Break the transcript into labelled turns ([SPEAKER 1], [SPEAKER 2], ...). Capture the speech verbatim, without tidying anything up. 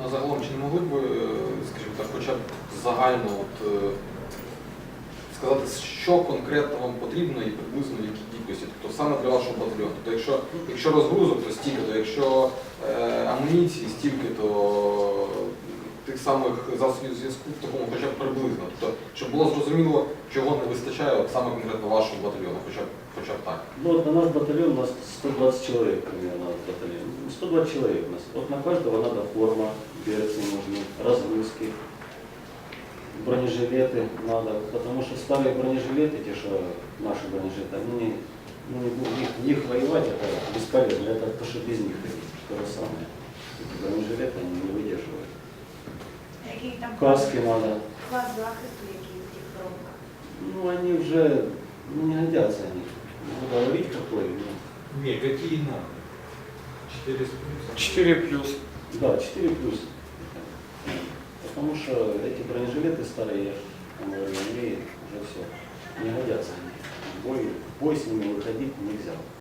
[SPEAKER 1] А загалом чи не могли б, е, скажімо так, хоча б загально от, е, сказати, що конкретно вам потрібно і приблизно в якій кількості, тобто саме для вашого батальйону? Тобто, якщо, якщо розгрузок, то стільки-то, якщо е, амуніції, стільки-то тих самих засобів зв'язку, в такому хоча б приблизно. Тобто, щоб було зрозуміло, чого не вистачає от саме конкретно вашому батальйону, хоча б, хоча б так.
[SPEAKER 2] Ну, вот на наш батальон у нас сто двадцать человек примерно в батальоне. Ну, сто двадцать человек у нас. Вот на каждого надо форма, берцы нужны, разгрузки, бронежилеты надо, потому что старые бронежилеты, те, что наши бронежилеты, они не, ну, не будут, их, в них воевать это бесполезно, это то, что без них то же самое. Эти бронежилеты они не выдерживают.
[SPEAKER 3] Який там
[SPEAKER 2] Каски надо.
[SPEAKER 3] клас захисту, який у тих коробках?
[SPEAKER 2] Ну, они уже ну, не годятся они. Не буду говорить какой. Но...
[SPEAKER 4] Не, какие надо? четыре с плюсом?
[SPEAKER 5] четыре плюс.
[SPEAKER 2] Да, четыре плюс. Потому что эти бронежилеты старые, я же говорю, они уже все, не годятся они. В бой, в бой с ними выходить нельзя.